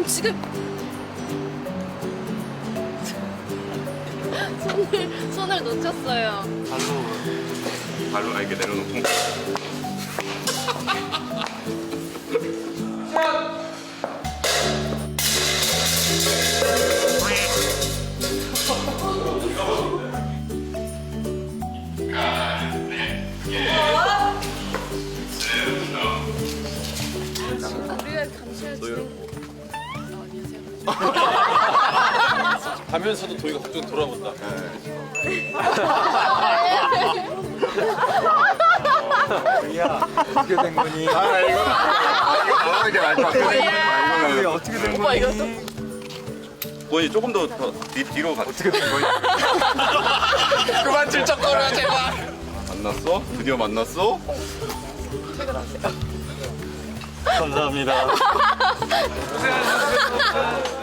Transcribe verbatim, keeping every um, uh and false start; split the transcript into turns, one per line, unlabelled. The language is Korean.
지금 손을 손을 놓쳤어요.
발로 발로 아 이렇게 내려놓고.
우리가 감시할 때.
가면서도 도희가 갑자기 돌아본다.
도희야 어떻게 된 거니?
아 이거 아 이게 말도 안 돼.
도희 어떻게 된
오빠
거니?
이것도
원이 조금 더, 더 뒤, 뒤로 가.
어떻게 된 거니?
그만 질척거려 제발. 만났어? 드디어 만났어?
감사합니다.
고생하셨습니다.